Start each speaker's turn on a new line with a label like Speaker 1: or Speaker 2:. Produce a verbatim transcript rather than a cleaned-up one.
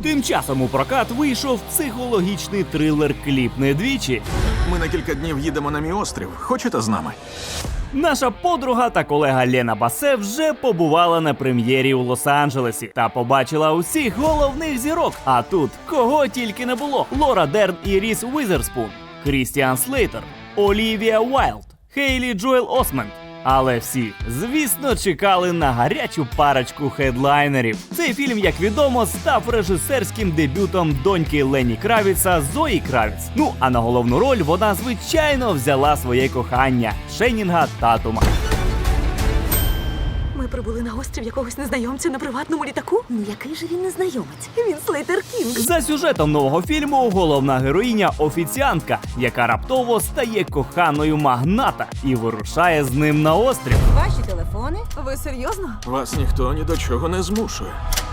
Speaker 1: Тим часом у прокат вийшов психологічний трилер «Кліп не двічі».
Speaker 2: Ми на кілька днів їдемо на мій острів. Хочете з нами?
Speaker 1: Наша подруга та колега Лена Басе вже побувала на прем'єрі у Лос-Анджелесі та побачила усіх головних зірок. А тут кого тільки не було: Лора Дерн і Різ Уізерспун, Крістіан Слейтер, Олівія Уайлд, Хейлі Джоел Осмент. Але всі, звісно, чекали на гарячу парочку хедлайнерів. Цей фільм, як відомо, став режисерським дебютом доньки Лені Кравіца Зої Кравіц. Ну, а на головну роль вона, звичайно, взяла своє кохання – Ченнінга Татума.
Speaker 3: Ми прибули на острів якогось незнайомця на приватному літаку. Ну який же він незнайомець? Він Слейтер Кінг.
Speaker 1: За сюжетом нового фільму головна героїня – офіціантка, яка раптово стає коханою магната і вирушає з ним на острів.
Speaker 4: Ваші телефони?
Speaker 3: Ви серйозно?
Speaker 2: Вас ніхто ні до чого не змушує.